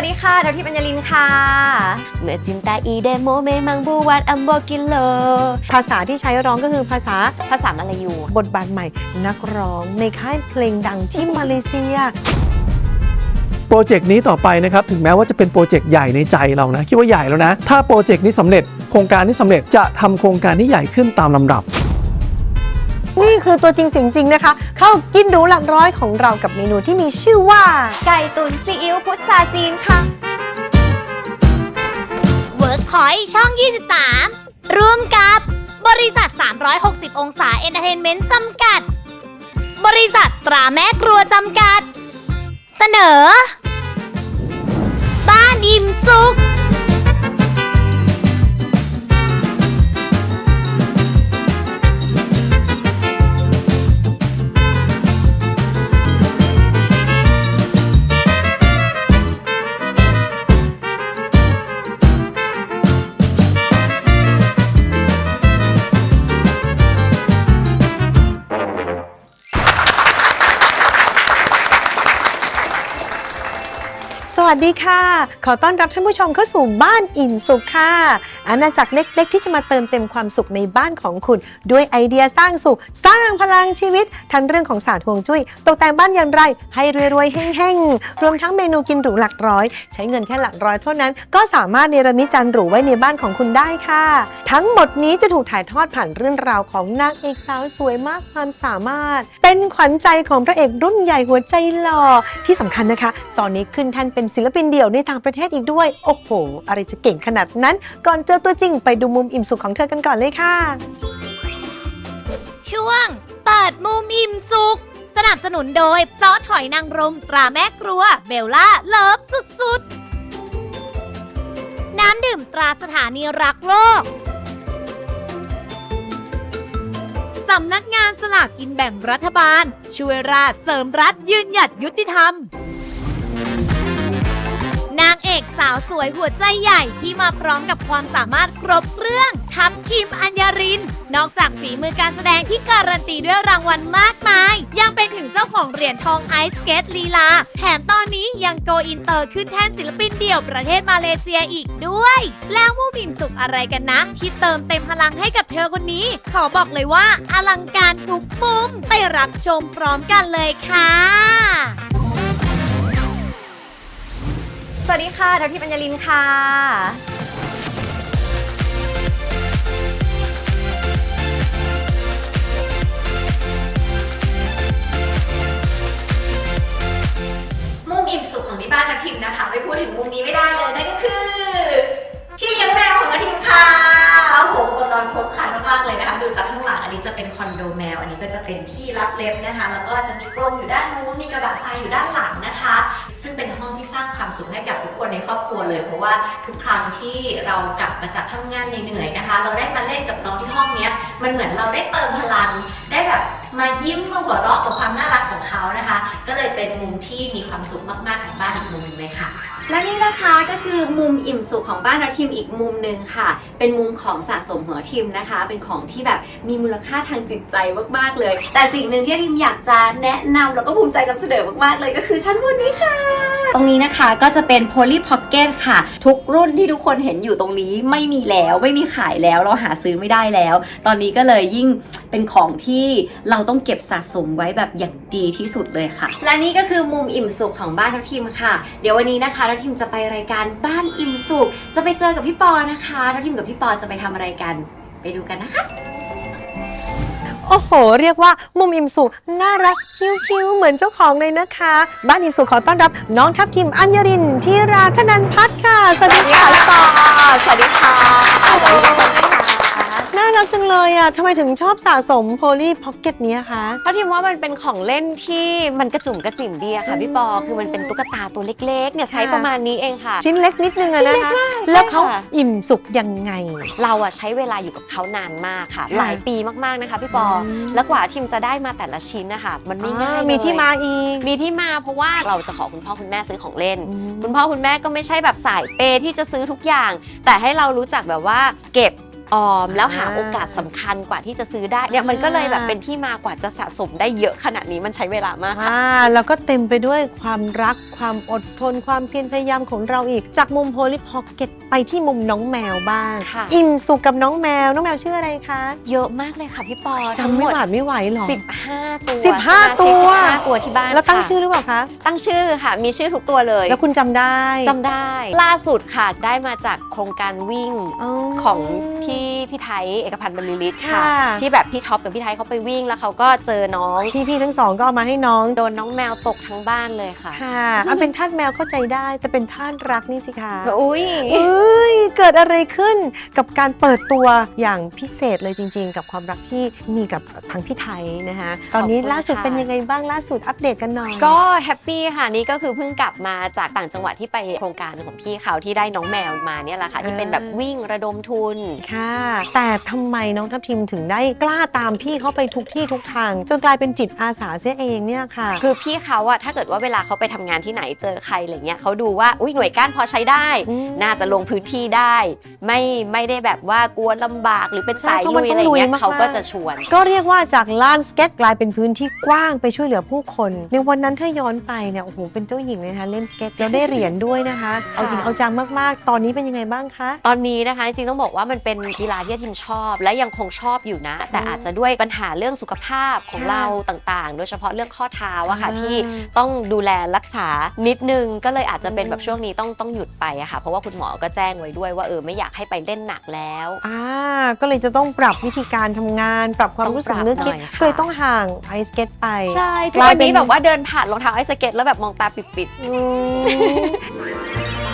วัสดีค่ะดาวทิพย์อัญญลินค่ะเมื่อจินตาอีเดโมเมมังบูวัดอัมโบกิโลภาษาที่ใช้ร้องก็คือภาษามาลายูบทบาทใหม่นักร้องในค่ายเพลงดังที่มาเลเซียโปรเจกต์นี้ต่อไปนะครับถึงแม้ว่าจะเป็นโปรเจกต์ใหญ่ในใจเรานะคิดว่าใหญ่แล้วนะถ้าโปรเจกต์นี้สำเร็จโครงการนี้สำเร็จจะทำโครงการที่ใหญ่ขึ้นตามลำดับนี่คือตัวจริงเสียงจริงนะคะเข้ากินหรูหลักร้อยของเรากับเมนูที่มีชื่อว่าไก่ตุ๋นซีอิ๊วพุทราจีนค่ะ Workpoint ช่อง 23 ร่วมกับบริษัท 360 องศาเอนเตอร์เทนเมนต์จำกัดบริษัทตราแม่ครัวจำกัดเสนอบ้านอิ่มสุขสวัสดีค่ะขอต้อนรับท่านผู้ชมเข้าสู่บ้านอิ่มสุขค่ะอาณาจักรเล็กๆที่จะมาเติมเต็มความสุขในบ้านของคุณด้วยไอเดียสร้างสุขสร้างพลังชีวิตทั้งเรื่องของศาสตร์ฮวงจุ้ยตกแต่งบ้านอย่างไรให้รวยๆแห้งๆรวมทั้งเมนูกินหรูหลักร้อยใช้เงินแค่หลักร้อยเท่านั้นก็สามารถเนรมิตจานหรูไว้ในบ้านของคุณได้ค่ะทั้งหมดนี้จะถูกถ่ายทอดผ่านเรื่องราวของนางเอกสาวสวยมากความสามารถเป็นขวัญใจของพระเอกรุ่นใหญ่หัวใจหล่อที่สำคัญนะคะตอนนี้ขึ้นแท่นเป็นศิลปินเดี่ยวในต่างประเทศอีกด้วยโอ้โหอะไรจะเก่งขนาดนั้นก่อนเจอตัวจริงไปดูมุมอิ่มสุขของเธอกันก่อนเลยค่ะช่วงเปิดมุมอิ่มสุขสนับสนุนโดยซอสหอยนางรมตราแม่ครัวเบลล่าเลิฟสุดๆน้ำดื่มตราสถานีรักโลกสำนักงานสลากกินแบ่งรัฐบาลช่วยราษฎร์เสริมรัฐยืนหยัดยุติธรรมนางเอกสาวสวยหัวใจใหญ่ที่มาพร้อมกับความสามารถครบเครื่องทัพทีมอัญญารินนอกจากฝีมือการแสดงที่การันตีด้วยรางวัลมากมายยังเป็นถึงเจ้าของเหรียญทองไอซ์สเกตลีลาแถมตอนนี้ยังโกอินเตอร์ขึ้นแท่นศิลปินเดี่ยวประเทศมาเลเซียอีกด้วยแล้วมุมอิ่มสุขอะไรกันนะที่เติมเต็มพลังให้กับเธอคนนี้ขอบอกเลยว่าอลังการทุกมุมไปรับชมพร้อมกันเลยค่ะสวัสดีค่ะดาวทิพย์อัญญลินค่ะมุมอิ่มสุขของที่บ้านทัพทิมนะคะไม่พูดถึงมุมนี้ไม่ได้เลยนั่นก็คือที่เลี้ยงแมวของทัพทิมค่ะโอ้โหอุปกรณ์ครบครันมากๆเลยนะคะดูจากข้างหลังอันนี้จะเป็นคอนโดแมวอันนี้ก็จะเป็นที่รับเล็บนะคะแล้วก็จะมีกรงอยู่ด้านนู้นมีกระบะทรายอยู่ด้านหลังนะคะซึ่งเป็นห้องที่สร้างความสุขให้กับทุกคนในครอบครัวเลยเพราะว่าทุกครั้งที่เรากลับมาจากทำงานเหนื่อยๆนะคะเราได้มาเล่นกับน้องที่ห้องนี้มันเหมือนเราได้เติมพลังได้แบบมายิ้มมาหัวเราะกับความน่ารักของเขานะคะก็เลยเป็นมุมที่มีความสุขมากๆของบ้านอีกมุมนึงเลยค่ะและนี่นะคะก็คือมุมอิ่มสุขของบ้านทัพทิมอีกมุมหนึ่งค่ะเป็นมุมของสะสมหัวทิมนะคะเป็นของที่แบบมีมูลค่าทางจิตใจมากๆเลยแต่สิ่งหนึ่งที่ทิมอยากจะแนะนำแล้วก็ภูมิใจนำเสนอมากๆเลยก็คือชั้นบนนี้ค่ะตรงนี้นะคะก็จะเป็น Polly Pocket ค่ะทุกรุ่นที่ทุกคนเห็นอยู่ตรงนี้ไม่มีแล้วไม่มีขายแล้วเราหาซื้อไม่ได้แล้วตอนนี้ก็เลยยิ่งเป็นของที่เราต้องเก็บสะสมไว้แบบอย่างดีที่สุดเลยค่ะและนี่ก็คือมุมอิ่มสุขของบ้านทัพทิมค่ะเดี๋ยววันนี้นะคะทัพทิมจะไปรายการบ้านอิ่มสุขจะไปเจอกับพี่ปอนะคะทัพทิมกับพี่ปอจะไปทำอะไรกันไปดูกันนะคะโอ้โหเรียกว่ามุมอิ่มสุขน่ารักคิ้วๆเหมือนเจ้าของเลยนะคะบ้านอิ่มสุขขอต้อนรับน้องทัพทิมอัญญรินธีราธนันพัฒน์ค่ะสวัสดีค่ะพี่ปอสวัสดีค่ะน่ารักจังเลยอ่ะทำไมถึงชอบสะสม Polly Pocket เนี้ยคะเพราะทิมว่ามันเป็นของเล่นที่มันกระจุ่มกระจิ๋มดีอะค่ะพี่ปอคือมันเป็นตุ๊กตาตัวเล็กๆเนี่ยไซส์ประมาณนี้เองค่ะชิ้นเล็กนิดนึงอะนะคะแล้วเขาอิ่มสุขยังไงเราอะใช้เวลาอยู่กับเขานานมากค่ะหลายปีมากๆนะคะพี่ปอแล้วกว่าทิมจะได้มาแต่ละชิ้นนะคะมันไม่ง่ายมีที่มาอีกมีที่มาเพราะว่าเราจะขอคุณพ่อคุณแม่ซื้อของเล่นคุณพ่อคุณแม่ก็ไม่ใช่แบบสายเปย์ที่จะซื้อทุกอย่างแต่ให้เรารู้จักแบบว่าเก็บออมแล้วหาโอกาสสำคัญกว่าที่จะซื้อได้เนี่ยมันก็เลยแบบเป็นที่มากว่าจะสะสมได้เยอะขนาดนี้มันใช้เวลามากค่ะแล้วก็เต็มไปด้วยความรักความอดทนความเพียรพยายามของเราอีกจากมุมโพลิพ็อกเก็ตไปที่มุมน้องแมวบ้างค่ะอิ่มสุขกับน้องแมวชื่ออะไรคะเยอะมากเลยค่ะพี่ปอจำไม่หวาดไม่ไหวหรอ 15 ตัว 15 ตัว 15 ตัวที่บ้านแล้วตั้งค่ะชื่อหรือเปล่าคะตั้งชื่อค่ะมีชื่อทุกตัวเลยแล้วคุณจำได้จำได้ ล่าสุดค่ะได้มาจากโครงการวิ่งของพี่ไทยเอกพันธ์บรรลือฤทธิ์ค่ะค่ะที่แบบพี่ท็อปกับพี่ไทยเขาไปวิ่งแล้วเขาก็เจอน้องพี่ทั้งสองก็เอามาให้น้องโดนน้องแมวตกทั้งบ้านเลยค่ะค่ะเอาเป็นทาสแมวเข้าใจได้แต่เป็นทาสรักนี่สิคะอุ้ยเอ้ยเกิดอะไรขึ้นกับการเปิดตัวอย่างพิเศษเลยจริงๆ กับความรักที่มีกับทางพี่ไทยนะคะตอนนี้ล่าสุดเป็นยังไงบ้างล่าสุดอัปเดตกันหน่อยก็แฮปปี้ค่ะนี่ก็คือเพิ่งกลับมาจากต่างจังหวัดที่ไปโครงการของพี่เขาที่ได้น้องแมวมาเนี่ยแหละค่ะที่เป็นแบบวิ่งระดมทุนค่ะ แต่ทำไมน้องทัพทิมถึงได้กล้าตามพี่เขาไปทุกที่ทุกทาง จนกลายเป็นจิตอาสาเสียเองเนี่ยค่ะคือพี่เขาอะถ้าเกิดว่าเวลาเขาไปทำงานที่ไหนเจอใครอะไรเงี้ยเขาดูว่าอุ้ยหน่วยก้านพอใช้ได้อืมน่าจะลงพื้นที่ได้ ไม่ได้แบบว่ากลัวลำบากหรือเป็นสายใช่เพราะมัลุนยต้องอะไรเงี้ลุยยมากๆเขาก็จะชวนก็เรียกว่าจากลานสเก็ตกลายเป็นพื้นที่กว้างไปช่วยเหลือผู้คน ในวันนั้นถ้าย้อนไปเนี่ยโอ้โหเป็นเจ้าหญิงเลยนะคะเล่นสเก็ตแล้วได้เหรียญด้วยนะคะ เอาจริงเอาจังมากๆ ตอนนี้เป็นยังไงบ้างคะตอนนี้นะคะจริงๆต้องบอกว่ามันเป็นกีฬาที่ทิมชอบ และยังคงชอบอยู่นะ แต่อาจจะด้วยปัญหาเรื่องสุขภาพของค่ะเราต่างๆ โดยเฉพาะเรื่องข้อเท้าอะค่ะอ่าที่ต้องดูแลรักษานิดนึงก็เลยอาจจะเป็นแบบช่วงนี้ต้องหยุดไปอะค่ะเพราะว่าคุณหมอก็แจ้งไว้ด้วยว่าไม่อยากให้ไปเล่นหนักแล้วก็เลยจะต้องปรับวิธีการทำงาน ปรับความรู้สึกนึกคิดต้องปรับหน่อยค่ะก็เลยต้องห่างไอสเก็ตไปใช่ทุกวันนี้แบบว่าเดินผ่านรองเท้าไอสเก็ตแล้วแบบมองตาปิดอืม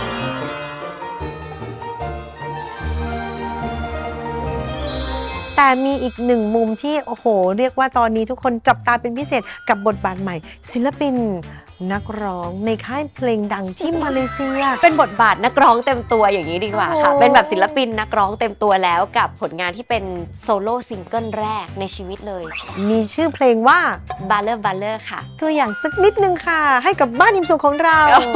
แต่มีอีกหนึ่งมุมที่โอ้โห เรียกว่าตอนนี้ทุกคนจับตาเป็นพิเศษกับบทบาทใหม่ ศิลปินนักร้องในค่ายเพลงดังที่มาเลเซียๆเป็นบทบาทนักร้องเต็มตัวอย่างนี้ดีกว่าค่ะโอ้เป็นแบบศิลปินนักร้องเต็มตัวแล้วกับผลงานที่เป็นโซโล่ซิงเกิลแรกในชีวิตเลยมีชื่อเพลงว่า Baller ค่ะตัวอย่างสักนิดนึงค่ะ ให้กับบ้านอิมสุขของเรา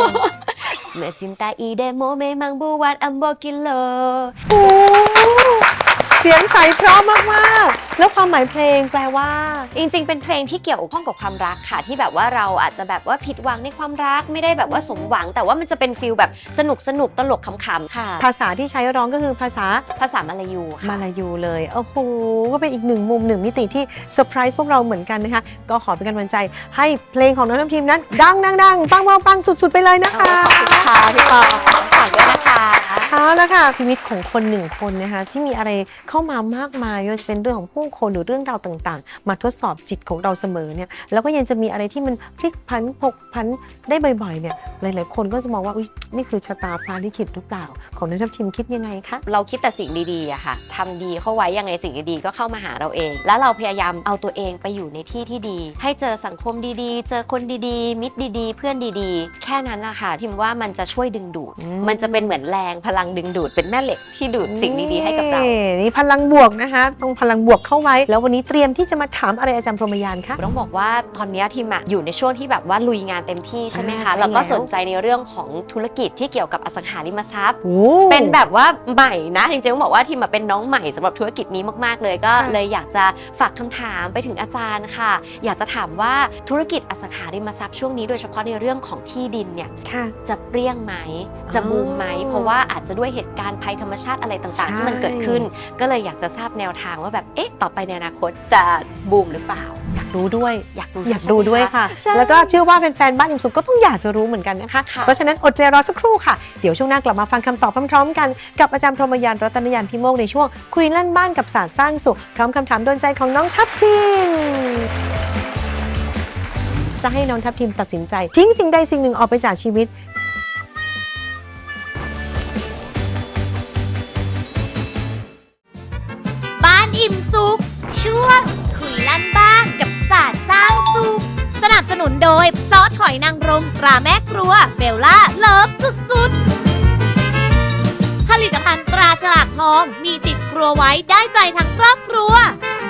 Mencintai demo memang buat ambo gila โอ้เสียงใสเพราะมากๆ แล้วความหมายเพลงแปลว่าจริงๆ เป็นเพลงที่เกี่ยวข้องกับความรักค่ะ ที่แบบว่าเราอาจจะแบบว่าผิดหวังในความรักไม่ได้แบบว่าสมหวัง แต่ว่ามันจะเป็นฟีลแบบสนุกตลกขำๆค่ะภาษาที่ใช้ร้องก็คือภาษาภาษามาลายูค่ะมาลายูเลย โอ้โห ก็เป็นอีกหนึ่งมุมหนึ่งมิติที่เซอร์ไพรส์พวกเราเหมือนกันนะคะ ก็ขอเป็นกำลังใจให้เพลงของน้องน้ำทีมนั้น ดังปังสุดๆไปเลยนะคะขอบคุณค่ะพี่ปอฝากด้วยนะคะเอาละค่ะชีวิตของคนหนึ่งคนนะคะที่มีอะไรเข้ามามากมายไม่ว่าจะเป็นเรื่องของผู้คนหรือเรื่องราวต่างๆ มาทดสอบจิตของเราเสมอเนี่ยแล้วก็ยังจะมีอะไรที่มันพลิกผันผกผันได้บ่อยๆเนี่ยหลายๆคนก็จะมองว่าอุ๊ยนี่คือชะตาฟ้าลิขิตหรือเปล่าของนักทัพทีมคิดยังไงคะเราคิดแต่สิ่งดีๆอะค่ะทำดีเข้าไว้ยังไงสิ่งดีๆก็เข้ามาหาเราเอง แล้วเราพยายามเอาตัวเองไปอยู่ในที่ที่ดี ให้เจอสังคมดีๆ เจอคนดีๆ มิตรดีๆ เพื่อนดีๆ แค่นั้นละค่ะทิมว่ามันจะช่วยดึงดูด มันจะเป็นเหมือนแรงพลังดึงดูดเป็นแม่เหล็กที่ดูดสิ่งดีๆให้กับเรานี่พลังบวกนะคะต้องพลังบวกเข้าไว้ แล้ววันนี้เตรียมที่จะมาถามอะไรอาจารย์พรหมยานคะต้องบอกว่าตอนนี้ทีมอะอยู่ในช่วงที่แบบว่าลุยงานเต็มที่ใช่ไหมใช่คะแล้วก็แล้วสนใจในเรื่องของธุรกิจที่เกี่ยวกับอสังหาริมทรัพย์โอ้เป็นแบบว่าใหม่นะจริงๆต้องบอกว่าทีมเป็นน้องใหม่สำหรับธุรกิจนี้มากๆเลยก็ค่ะเลยอยากจะฝากคำถามไปถึงอาจารย์ค่ะ อยากจะถามว่าธุรกิจอสังหาริมทรัพย์ช่วงนี้โดยเฉพาะในเรื่องของที่ดินเนี่ยค่ะจะเปรี้ยงไหมจะบูมไหมเพราะว่าอาจจะด้วยเหตุการณ์ภัยธรรมชาติอะไรต่างใช่ๆ ที่มันเกิดขึ้น ก็เลยอยากจะทราบแนวทางว่าแบบต่อไปในอนาคตจะบูมหรือเปล่าอยากรู้ด้วยอยากรู้อยากดูด้วยค่ะใช่แล้วก็เชื่อว่าแฟนๆบ้านอิมสุขก็ต้องอยากจะรู้เหมือนกันนะคะค่ะเพราะฉะนั้นอดใจรอสักครู่ค่ะ เดี๋ยวช่วงหน้ากลับมาฟังคำตอบพร้อมๆกันกับอาจารย์พรหมยานรัตนยานพิโมกในช่วงคุยลั่นบ้านกับศาสตร์สร้างสุขพร้อมคำถามโดนใจของน้องทัพทิมจะให้น้องทัพทิมตัดสินใจทิ้งสิ่งใดสิ่งหนึ่งออกไปจากชีวิตบ้านอิ่มสุขช่วงคุยลั่นบ้านกับศาสตร์สร้างสุขสนับสนุนโดยซอสหอยนางรมตราแม่ครัวเบลล่าเลิฟสุดๆผลิตภัณฑ์ตราฉลากทองมีติดครัวไว้ได้ใจทั้งครอบครัว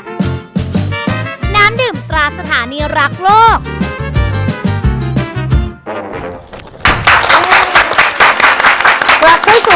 น้ำดื่มตราสถานีรักโลกกลับเข้าสู่บ้านอิม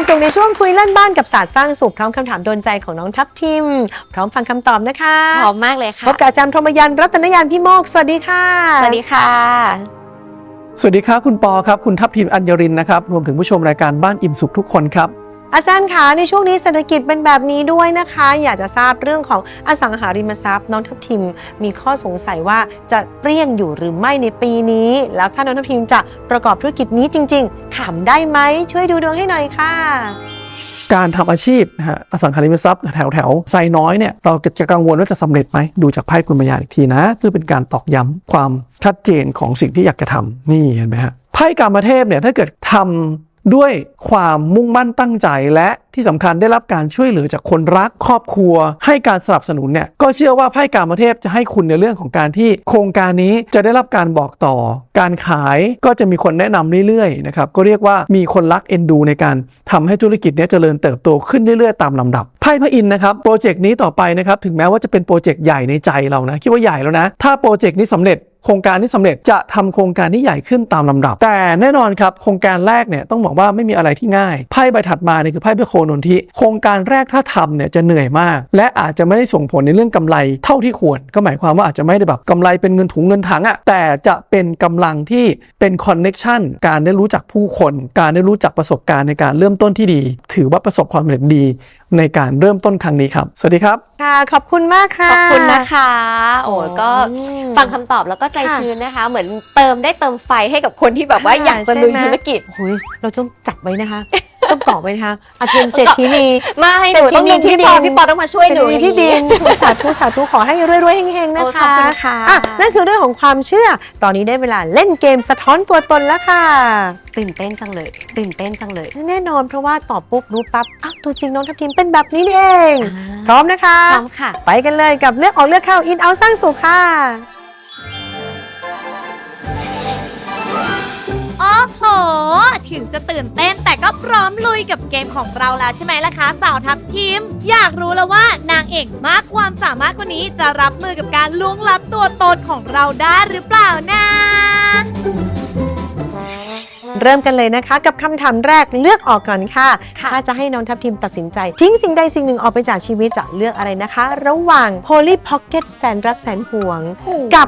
สุขในช่วงคุยเล่นบ้านกับศาสตร์สร้างสุขพร้อมคำถามโดนใจของน้องทัพทิมพร้อมฟังคำตอบนะคะพร้อมมากเลยค่ะพบกับอาจารย์พรหมยันต์รัตนยานพี่โมกสวัสดีค่ะสวัสดีค่ะสวัสดีครับคุณปอครับคุณทัพทิมอัญญรินนะครับรวมถึงผู้ชมรายการบ้านอิ่มสุขทุกคนครับอาจารย์คะในช่วงนี้เศรษฐกิจเป็นแบบนี้ด้วยนะคะ อยากจะทราบเรื่องของอสังหาริมทรัพย์น้องทัพทิมมีข้อสงสัยว่าจะเปรี้ยงอยู่หรือไม่ในปีนี้ แล้วถ้าน้องทัพทิมจะประกอบธุรกิจนี้จริงๆทำได้ไหมช่วยดูดวงให้หน่อยค่ะการทำอาชีพนะฮะอสังหาริมทรัพย์แถวไซน้อยเนี่ยเราจะกังวลว่าจะสำเร็จไหมดูจากไพ่กลุ่มพยานอีกทีนะเพื่อเป็นการตอกย้ำความชัดเจนของสิ่งที่อยากจะทำนี่เห็นไหมฮะไพ่กามเทพเนี่ยถ้าเกิดทำด้วยความมุ่งมั่นตั้งใจและที่สำคัญได้รับการช่วยเหลือจากคนรักครอบครัวให้การสนับสนุนเนี่ยก็เชื่อว่าไพ่กามเทพจะให้คุณในเรื่องของการที่โครงการนี้จะได้รับการบอกต่อการขายก็จะมีคนแนะนำเรื่อยๆนะครับก็เรียกว่ามีคนรักเอ็นดูในการทำให้ธุรกิจนี้เจริญเติบโตขึ้นเรื่อยๆตามลำดับไพ่พระอินทร์นะครับโปรเจกต์นี้ต่อไปนะครับถึงแม้ว่าจะเป็นโปรเจกต์ใหญ่ในใจเรานะคิดว่าใหญ่แล้วนะถ้าโปรเจกต์นี้สำเร็จโครงการที่สำเร็จจะทำโครงการที่ใหญ่ขึ้นตามลำดับแต่แน่นอนครับโครงการแรกเนี่ยต้องบอกว่าไม่มีอะไรที่ง่ายไพ่ใบถัดมาเนี่ยคือไพ่พระโคนนทิโครงการแรกถ้าทำเนี่ยจะเหนื่อยมากและอาจจะไม่ได้ส่งผลในเรื่องกำไรเท่าที่ควรก็หมายความว่าอาจจะไม่ได้แบบกำไรเป็นเงินถุงเงินถังอะแต่จะเป็นกำลังที่เป็นคอนเน็กชันการได้รู้จักผู้คนการได้รู้จักประสบการณ์ในการเริ่มต้นที่ดีถือว่าประสบความสำเร็จดีในการเริ่มต้นครั้งนี้ครับสวัสดีครับค่ะขอบคุณมากค่ะขอบคุณนะคะ โอ้ก็ฟังคำตอบแล้วก็ใจชื้นนะคะ เหมือนเติมไฟให้กับคนที่แบบว่าอยากจะลุยธุรกิจโอ้ยเราต้องจับไว้นะคะ ต้องเกาะไว้นะคะอาเทียนเศรษฐีนีไม่หนูต้องเรียนที่พี่ปอต้องมาช่วยหนูที่ดินสาธุสาธุขอให้รวยๆเฮงๆนะโอ้ขอคะบคุณค่ะอ่ะนั่นคือเรื่องของความเชื่อ ตอนนี้ได้เวลาเล่นเกมสะท้อนตัวตนแล้วค่ะตื่นเต้นจังเลยตื่นเต้นจังเลยแน่นอนเพราะว่าตอบปุ๊บรู้ปั๊บอ้าวตัวจริงน้องทัพทิมเป็นแบบนี้นี่เอง พร้อมนะคะพร้อมค่ะไปกันเลยกับเลือกออกเลือกเข้าอินเอาสร้างสุขค่ะโอ้โห ถึงจะตื่นเต้นแต่ก็พร้อมลุยกับเกมของเราแล้วใช่ไหมล่ะคะสาวทัพทีม อยากรู้แล้วว่านางเอกมากความสามารถคนนี้จะรับมือกับการล่วงลับตัวตนของเราได้หรือเปล่านะเริ่มกันเลยนะคะกับคำถามแรกเลือกออกก่อนค่ะค่ะถ้าจะให้น้องทัพทิมตัดสินใจ ทิ้งสิ่งใดสิ่งหนึ่งออกไปจากชีวิตจะเลือกอะไรนะคะ ระหว่าง Polly Pocket แสนรักแสนห่วง กับ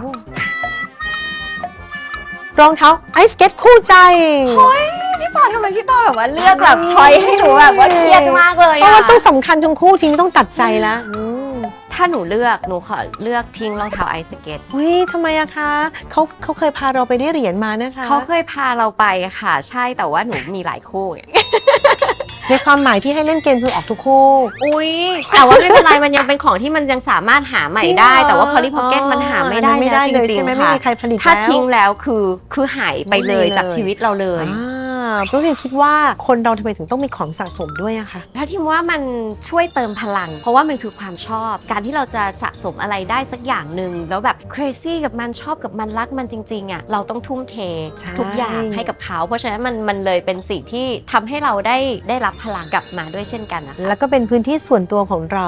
รองเท้าไอสเก็ตคู่ใจพี่ปอทำไมพี่ปอแบบว่าเลือกแบบช้อยให้หนูแบบว่าเครียดมากเลยเพราะอะว่าต้องสำคัญทั้งคู่ทิ้งต้องตัดใจแล้วถ้าหนูเลือกหนูขอเลือกทิ้งรองเท้าไอสเก็ตอุ้ยทำไมอะคะเขาเคยพาเราไปได้เหรียญมานะคะเขาเคยพาเราไปค่ะใช่แต่ว่าหนูมีหลายคู่ไงในความหมายที่ให้เล่นเกมคือออกทุกคู่อุ้ยแต่ว่าไม่เป็นไรมันยังเป็นของที่มันยังสามารถหาใหม่ได้จริงเหรอแต่ว่า Polly Pocket มันหาไม่ได้ไม่ได้แล้วเลยจริใช่งไหมๆไม่ค่ะมีใครผลิตถ้าแล้วทิ้งแล้วคือหายไปเลยไม่มีเลยจากชีวิตเราเลยเพราะฉะนั้นคิดว่าคนเราทำไมถึงต้องมีของสะสมด้วยอะคะถ้าทิมว่ามันช่วยเติมพลัง เพราะว่ามันคือความชอบ การที่เราจะสะสมอะไรได้สักอย่างหนึ่งแล้วแบบ crazy กับมันชอบกับมันรักมันจริงๆอ่ะเราต้องทุ่มเทใช่ทุกอย่างให้กับเขา เพราะฉะนั้นมันเลยเป็นสิ่งที่ทำให้เราได้รับพลังกลับมาด้วยเช่นกันนะคะแล้วก็เป็นพื้นที่ส่วนตัวของเรา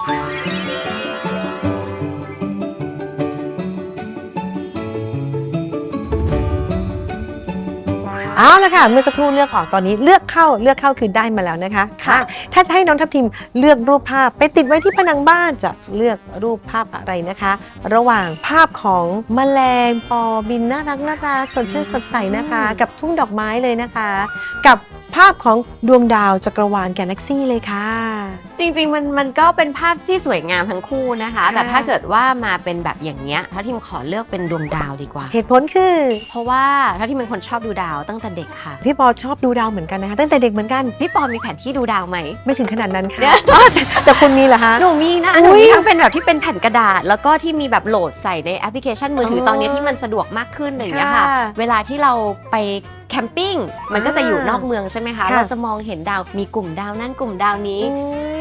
เอาละค่ะเมื่อสักครู่เลือกออกตอนนี้เลือกเข้าคือได้มาแล้วนะคะค่ะถ้าจะให้น้องทัพทิมเลือกรูปภาพไปติดไว้ที่ผนังบ้านจะเลือกรูปภาพอะไรนะคะ ระหว่างภาพของแมลงปอบินน่ารักสดชื่นสดใสนะคะ กับทุ่งดอกไม้เลยนะคะ กับภาพของดวงดาวจักรวาลกาแล็กซี่เลยค่ะจริงๆมันก็เป็นภาพที่สวยงามทั้งคู่นะคะค่ะแต่ถ้าเกิดว่ามาเป็นแบบอย่างเนี้ยถ้าทิมขอเลือกเป็นดวงดาวดีกว่าเหตุผลคือเพราะว่าถ้าทิมเป็นคนชอบดูดาวตั้งแต่เด็กค่ะพี่ปอชอบดูดาวเหมือนกันนะคะตั้งแต่เด็กเหมือนกันพี่ปอมีแผนที่ดูดาวไหมไม่ถึงขนาดนั้นค่ะอ๋อแต่คุณมีเหรอคะหนูมีนะอุ๊หนูยมีทั้งเป็นแบบที่เป็นแผ่นกระดาษ แล้วก็ที่มีแบบโหลดใส่ในแอปพลิเคชันมือถือตอนนี้ที่มันสะดวกมากขึ้นอย่างเงี้ยค่ะค่ะเวลาที่เราไปแคมปิ้งมันก็จะอยู่นอกเมืองใช่ไหมคะค่ะเราจะมองเห็นดาวมีกลุ่มดาวนั่นกลุ่มดาวนี้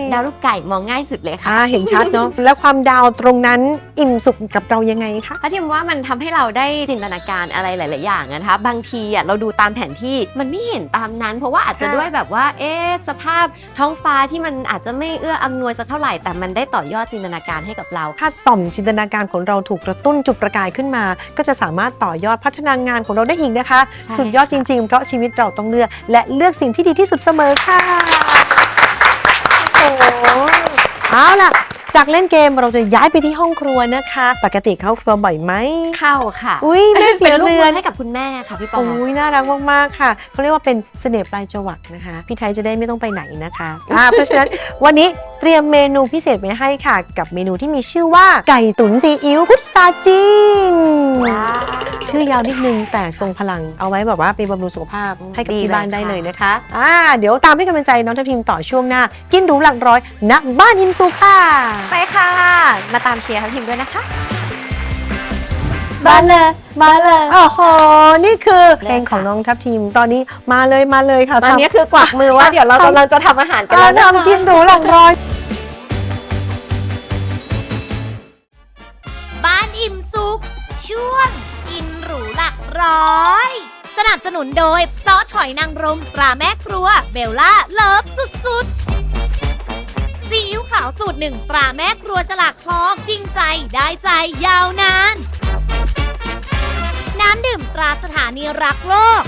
ดาวลูกไก่มองง่ายสุดเลยค่ะเห็นชัดเนาะ แล้วความดาวตรงนั้นอิ่มสุขกับเรายังไงคะถ้าทิมว่ามันทำให้เราได้จินตนาการอะไรหลาย ๆ อย่างนะคะบางทีเราดูตามแผนที่มันไม่เห็นตามนั้น เพราะว่าอาจจะด้วยแบบว่าสภาพท้องฟ้าที่มันอาจจะไม่เอื้ออำนวยสักเท่าไหร่แต่มันได้ต่อยอดจินตนาการให้กับเราถ้าต่อมจินตนาการของเราถูกกระตุ้นจุดประกายขึ้นมา ก็จะสามารถต่อยอดพัฒนางานของเราได้อีกนะคะใช่สุดยอดจริง ๆ เพราะชีวิตเราต้องเลือกและเลือกสิ่งที่ดีที่สุดเสมอค่ะโอ้โหเอาล่ะ จากเล่นเกมเราจะย้ายไปที่ห้องครัวนะคะ ปกติเข้าครัวบ่อยไหมเข้าค่ะอุ้ยแม่เสียเป็นลูกเรืมืออน ให้กับคุณแม่ค่ะพี่ปอโอ้ยน่ารักมากๆค่ะเขาเรียกว่าเป็นเสน่ห์ปลายจวักนะคะ พี่ไทยจะได้ไม่ต้องไปไหนนะคะ เพราะฉะนั้นวันนี้เตรียมเมนูพิเศษไว้ให้ค่ะ กับเมนูที่มีชื่อว่าไก่ตุ๋นซีอิ๊วพุทราจีน ชื่อยาวนิดนึงแต่ทรงพลังเอาไว้แบบว่าไปบำรุงสุขภาพให้กับที่บ้านได้เลยนะคะเดี๋ยวตามให้กำลังใจน้องทัพทิมต่อช่วงหน้า กินหรูหลักร้อยณบ้านอิมซูค่ะไปค่ะ มาตามเชียร์ทัพทิมด้วยนะคะมาเลยมาเลยโอ้โหนี่คือเพลงของน้องทัพทีมตอนนี้มาเลยค่ะตอนนี้คือกวักมือว่าเดี๋ยวเรากำลังจะทำอาหารกันแล้วนะคะทำกินหรูหลังร้อยบ้านอิ่มสุขช่วงกินหรูหลักร้อย สนับสนุนโดยซอสหอยนางรมตราแม่ครัวเบลล่าเลิฟสุดๆซีอิ๊วขาวสูตรหนึ่งตราแม่ครัวฉลากทองจริงใจได้ใจยาวนาน น้ำดื่มตราสถานีรักโลก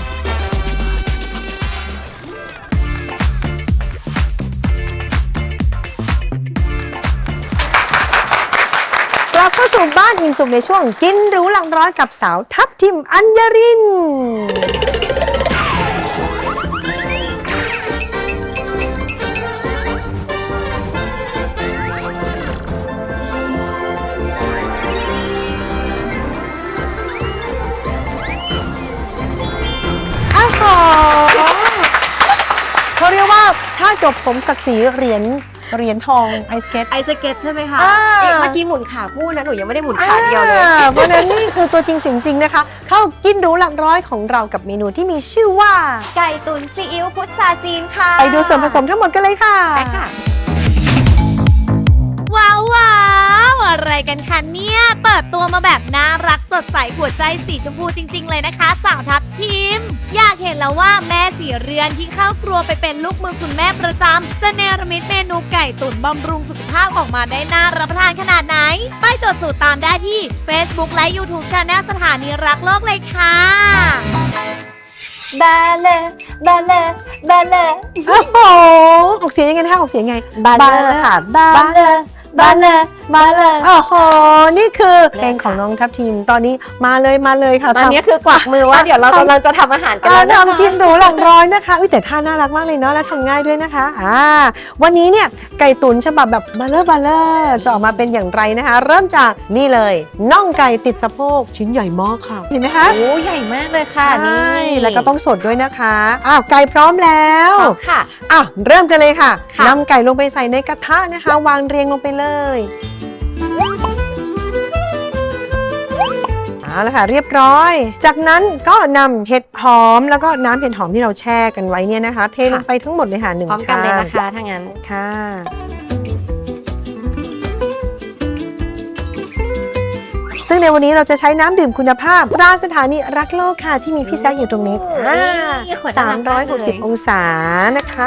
กลับเข้าสู่บ้านอิ่มสุขในช่วงกินหรูหลังร้อยกับสาวทัพทิมอัญญริน เขาเรียกว่าถ้าจบสมศักดิ์ศรีเหรียญทองไอสเก็ตไอสเก็ตใช่ไหมคะอ่าเมื่อกี้หมุนขาคู่นะหนูยังไม่ได้หมุนขาเดียวเลยเพราะฉะนั้นนี่คือตัวจริงเสียงจริงนะคะ เข้ากินหรูหลักร้อยของเรากับเมนูที่มีชื่อว่าไก่ตุ๋นซีอิ๊วพุทราจีนค่ะไปดูส่วนผสมทั้งหมดกันเลยค่ะไปค่ะว้าวอะไรกันคะเนี่ย เปิดตัวมาแบบน่ารักสดใสหัวใจสีชมพูจริง ๆ เลยนะคะสาวทัพทีม อยากเห็นแล้วว่าแม่สีเรือนที่เข้าครัวไปเป็นลูกมือคุณแม่ประจำจะเนรมิตเมนูไก่ตุ๋นบำรุงสุขภาพออกมาได้น่ารับประทานขนาดไหน ไปจดสูตรตามได้ที่ Facebook และ YouTube Channel สถานีรักโลกเลยค่ะบาเลบาเลบาเลโอ้โหออกเสียงยังไงนะคะออกเสียงไงบาเลค่ะบาเลบาเลบาเลโอ้โหนี่คือเพลงของน้องทัพทีมตอนนี้มาเลยค่ะตอนนี้คือกวักมือว่าเดี๋ยวเรากำลังจะทำอาหารกันแล้วนะคะทำกินหรูหลังร้อยนะคะแต่ท่าน่ารักมากเลยเนาะและทำง่ายด้วยนะคะวันนี้เนี่ยไก่ตุ๋นฉบับแบบบาเลอร์จะออกมาเป็นอย่างไรนะคะ เริ่มจากนี่เลยน่องไก่ติดสะโพกชิ้นใหญ่มากค่ะเห็นไหมคะโอ้ใหญ่มากเลยค่ะใช่นี่แล้วก็ต้องสดด้วยนะคะไก่พร้อมแล้วพร้อมค่ะเริ่มกันเลยค่ะค่ะนำไก่ลงไปใส่ในกระทะนะคะ วางเรียงลงไปเลยเอาละค่ะเรียบร้อย จากนั้นก็นำเห็ดหอมแล้วก็น้ำเห็ดหอมที่เราแช่กันไว้เนี่ยนะคะ เทลงไปทั้งหมดเลยค่ะ1 พร้อมกันเลยนะคะถ้างั้นค่ะซึ่งในวันนี้เราจะใช้น้ำดื่มคุณภาพตราสถานีรักโลกค่ะที่มีพี่แซคอยู่ตรงนี้ขวดน่ารักมากเลย 360 องศานะคะ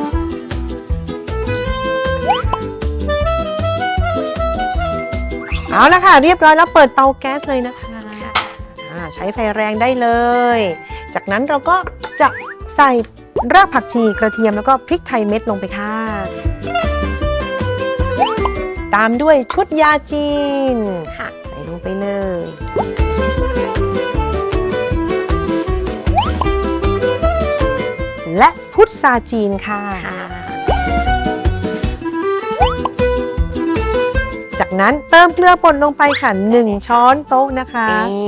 เอาละค่ะเรียบร้อยแล้วเปิดเตาแก๊สเลยนะคะใช้ไฟแรงได้เลย จากนั้นเราก็จะใส่รากผักชีกระเทียมแล้วก็พริกไทยเม็ดลงไปค่ะตามด้วยชุดยาจีนค่ะใส่ลงไปเลย และพุทราจีนค่ะ จากนั้นเติมเกลือป่นลงไปค่ะ1 ช้อนโต๊ะนะคะ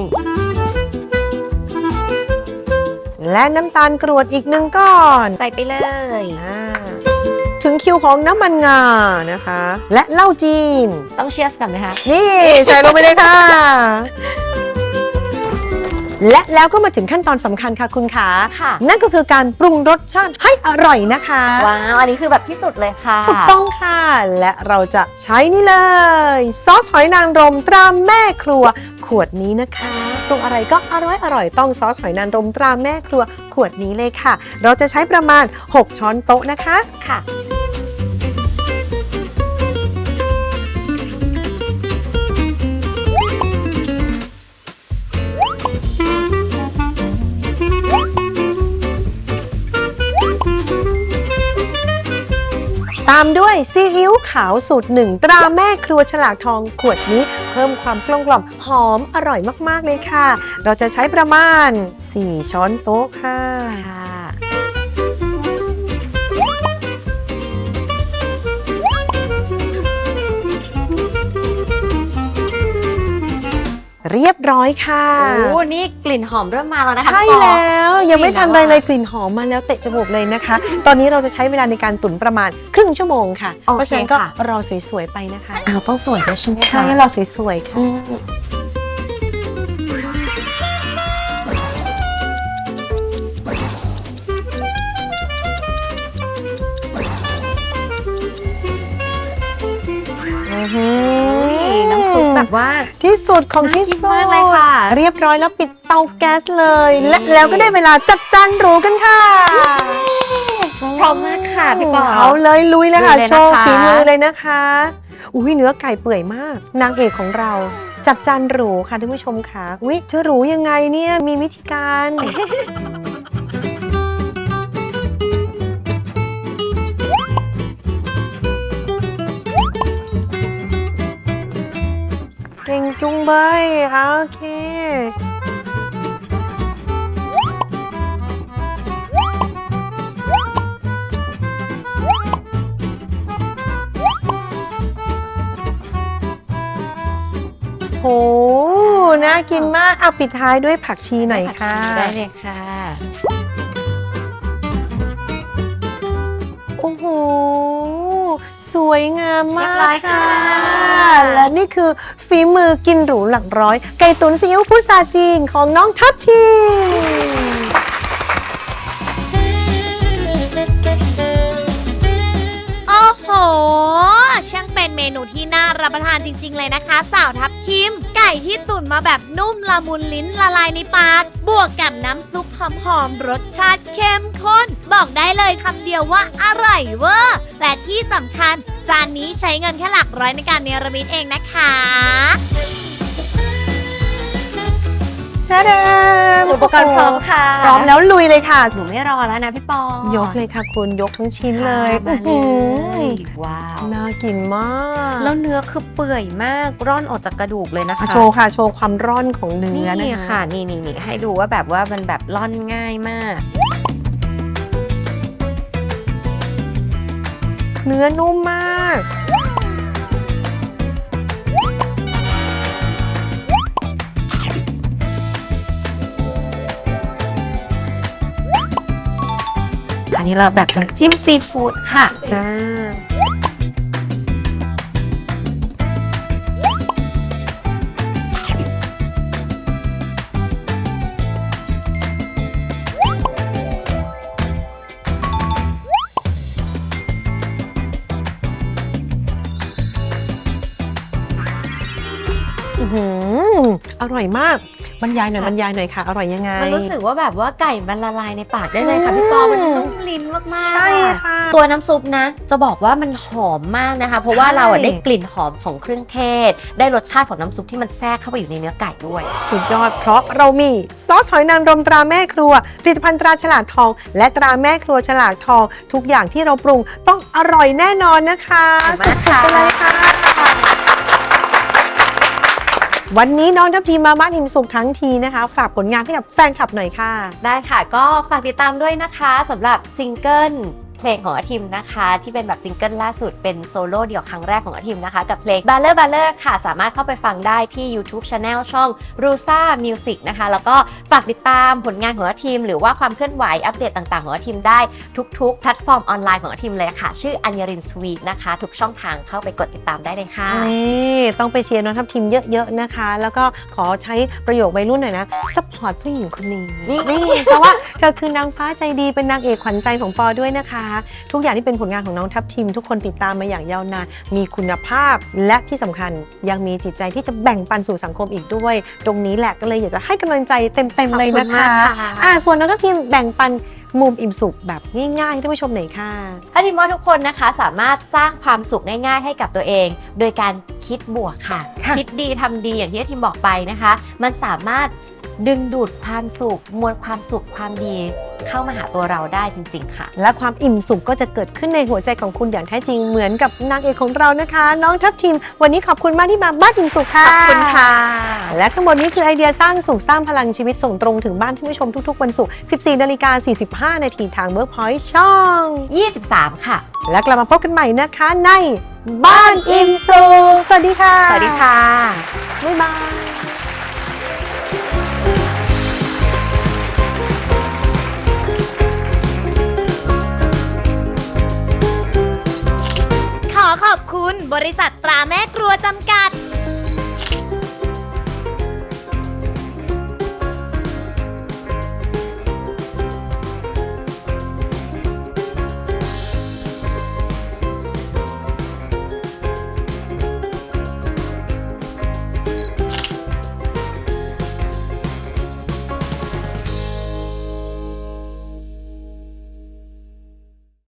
และน้ำตาลกรวดอีก1 ก้อนใส่ไปเลยถึงคิวของน้ำมันงานะคะ และเหล้าจีนต้องเชียร์กันไหมคะนี่ใส่ลงไปเลยค่ะและแล้วก็มาถึงขั้นตอนสำคัญค่ะคุณขาค่ะนั่นก็คือการปรุงรสชาติให้อร่อยนะคะว้าว อันนี้คือแบบที่สุดเลยค่ะถูกต้องค่ะ และเราจะใช้นี่เลยซอสหอยนางรมตราแม่ครัวขวดนี้นะคะปรุงอะไรก็อร่อยต้องซอสหอยนางรมตราแม่ครัวขวดนี้เลยค่ะ เราจะใช้ประมาณ6 ช้อนโต๊ะนะคะค่ะตามด้วยซีอิ๊วขาวสูตร1ตราแม่ครัวฉลากทองขวดนี้เพิ่มความกลมกล่อมหอมอร่อยมากๆเลยค่ะ เราจะใช้ประมาณ4 ช้อนโต๊ะค่ะค่ะเรียบร้อยค่ะโอ้นี่กลิ่นหอมเริ่มมาแล้วนะคะใช่พี่ปอแล้วยังไม่ทันไรเลยกลิ่นหอมมาแล้วเตะจมูกเลยนะคะ ตอนนี้เราจะใช้เวลาในการตุ๋นประมาณครึ่งชั่วโมงค่ะโอเคเพราะฉะนั้นก็ค่ะรอสวยๆไปนะคะอ้าวต้องสวยด้วยใช่ไหมคะใช่รอสวยๆค่ะอืม น้ำซุปแบบว่าที่สุดของที่สุดน่ากินมากเลยค่ะเรียบร้อยแล้วปิดเตาแก๊สเลย และแล้วก็ได้เวลาจัดจานหรูกันค่ะพร้อมมากค่ะพี่ปอเอาเลยลุยเลยค่ะลุยเลยนะคะโชว์ฝีมือเลยนะคะอุ้ยเนื้อไก่เปื่อยมาก นางเอกของเราจัดจานหรูค่ะท่านผู้ชมค่ะอุ้ยจะหรูยังไงเนี่ยมีวิธีการ เก่งจุงเบยโอเค โห น่ากินมาก เอาปิดท้ายด้วยผักชีหน่อยค่ะได้เลยค่ะโอ้โห สวยงามมากเรียบร้อยค่ะและนี่คือฝีมือกินหรูหลักร้อย ไก่ตุ๋นซีอิ๊วพุทราจีนของน้องทัพทีมโอ้โห ช่างเป็นเมนูที่น่ารับประทานจริง ๆ เลยนะคะ สาวทับทิม ไก่ที่ตุ๋นมาแบบนุ่มละมุนลิ้นละลายในปาก บวกกับน้ำซุปหอมๆรสชาติเข้มข้น บอกได้เลยคำเดียวว่าอร่อยเวอร์และที่สำคัญ จานนี้ใช้เงินแค่หลักร้อยในการเนรมิตเองนะคะอุปกรณ์พร้อมค่ะพร้อมแล้วลุยเลยค่ะหนูไม่รอแล้วนะพี่ปอยกเลยค่ะคุณยกทั้งชิ้นเลยมาเลอื้อหืยอว้าวน่ากินมากแล้วเนื้อคือเปื่อยมากร่อนออกจากกระดูกเลยนะคะโชว์ค่ะ โชว์ความร่อนของเนื้อนี่นะคะค่ะนี่ให้ดูว่าแบบว่ามันแบบร่อนง่ายมากเนื้อนุ่มมากอันนี้เราแบบน้ำจิ้มซีฟู้ดค่ะจ้า อื้อหืออร่อยมาก บรรยายหน่อยบรรยายหน่อยค่ะ อร่อยยังไงมันรู้สึกว่าแบบว่าไก่มันละลายในปากได้เลยค่ะพี่ปอมันนุ่มลิ้นมากๆใช่ค่ะตัวน้ำซุปนะ จะบอกว่ามันหอมมากนะคะ เพราะว่าใช่เราอะได้กลิ่นหอมของเครื่องเทศ ได้รสชาติของน้ำซุปที่มันแทรกเข้าไปอยู่ในเนื้อไก่ด้วยสุดยอดเพราะเรามีซอสหอยนางรมตราแม่ครัวผลิตภัณฑ์ตราฉลากทอง และตราแม่ครัวฉลากทอง ทุกอย่างที่เราปรุงต้องอร่อยแน่นอนนะคะขอบคุณสุมากดๆไปเลยค่ะ วันนี้น้องทัพทีมมาบ้านอิ่มสุขทั้งทีนะคะ ฝากผลงานให้กับแฟนคลับหน่อยค่ะได้ค่ะ ก็ฝากติดตามด้วยนะคะสำหรับซิงเกิลเพลงของอาทิมนะคะที่เป็นแบบซิงเกิลล่าสุดเป็นโซโล่เดี่ยวครั้งแรกของอาทิมนะคะกับเพลง Baller Baller ค่ะสามารถเข้าไปฟังได้ที่ YouTube Channel ช่อง Rusa Music นะคะแล้วก็ฝากติดตามผลงานของอาทิมหรือว่าความเคลื่อนไหวอัปเดตต่างๆของอาทิมได้ทุกๆแพลตฟอร์มออนไลน์ของอาทิมเลยค่ะชื่ออัญญรินสวีทนะคะทุกช่องทางเข้าไปกดติดตามได้เลยค่ะนี่ต้องไปเชียร์น้องทัพทีมเยอะๆนะคะ แล้วก็ขอใช้ประโยควัยรุ่นหน่อยนะซัพพอร์ตผู้หญิงคนนี้นี่เพราะว่าเธอคือนางฟ้าใจดีเป็นนางเอกขวัญใจของปอด้วยนะคะ ทุกอย่างที่เป็นผลงานของน้องทัพทีมทุกคนติดตามมาอย่างยาวนานมีคุณภาพและที่สำคัญยังมีจิตใจที่จะแบ่งปันสู่สังคมอีกด้วย ตรงนี้แหละก็เลยอยากจะให้กำลังใจเต็มๆเลยนะคะขอบคุณมากค่ะส่วนน้องทัพทีมแบ่งปันมุมอิ่มสุขแบบง่ายๆให้ท่านผู้ชมหน่อยค่ะถ้าทิมว่าทุกคนนะคะสามารถสร้างความสุขง่ายๆให้กับตัวเอง โดยการคิดบวกค่ะค่ะคิดดีทำดีอย่างที่ทิมบอกไปนะคะ มันสามารถดึงดูดความสุขมวลความสุขความดีเข้ามาหาตัวเราได้จริงๆค่ะและความอิ่มสุขก็จะเกิดขึ้นในหัวใจของคุณอย่างแท้จริงเหมือนกับนางเอกของเรานะคะ น้องทัพทีมวันนี้ขอบคุณมากที่มาบ้านอิ่มสุขค่ะขอบคุณค่ะและทั้งหมดนี้คือไอเดียสร้างสุขสร้างพลังชีวิตส่งตรงถึงบ้านท่านผู้ชมทุกๆวันศุกร์ 14:45 นาทีทาง Workpoint ช่อง 23 ค่ะและกลับมาพบกันใหม่นะคะในบ้านอิ่มสุขสวัสดีค่ะสวัสดีค่ะบ๊ายบายขอขอบคุณบริษัทตราแม่ครัวจำกัด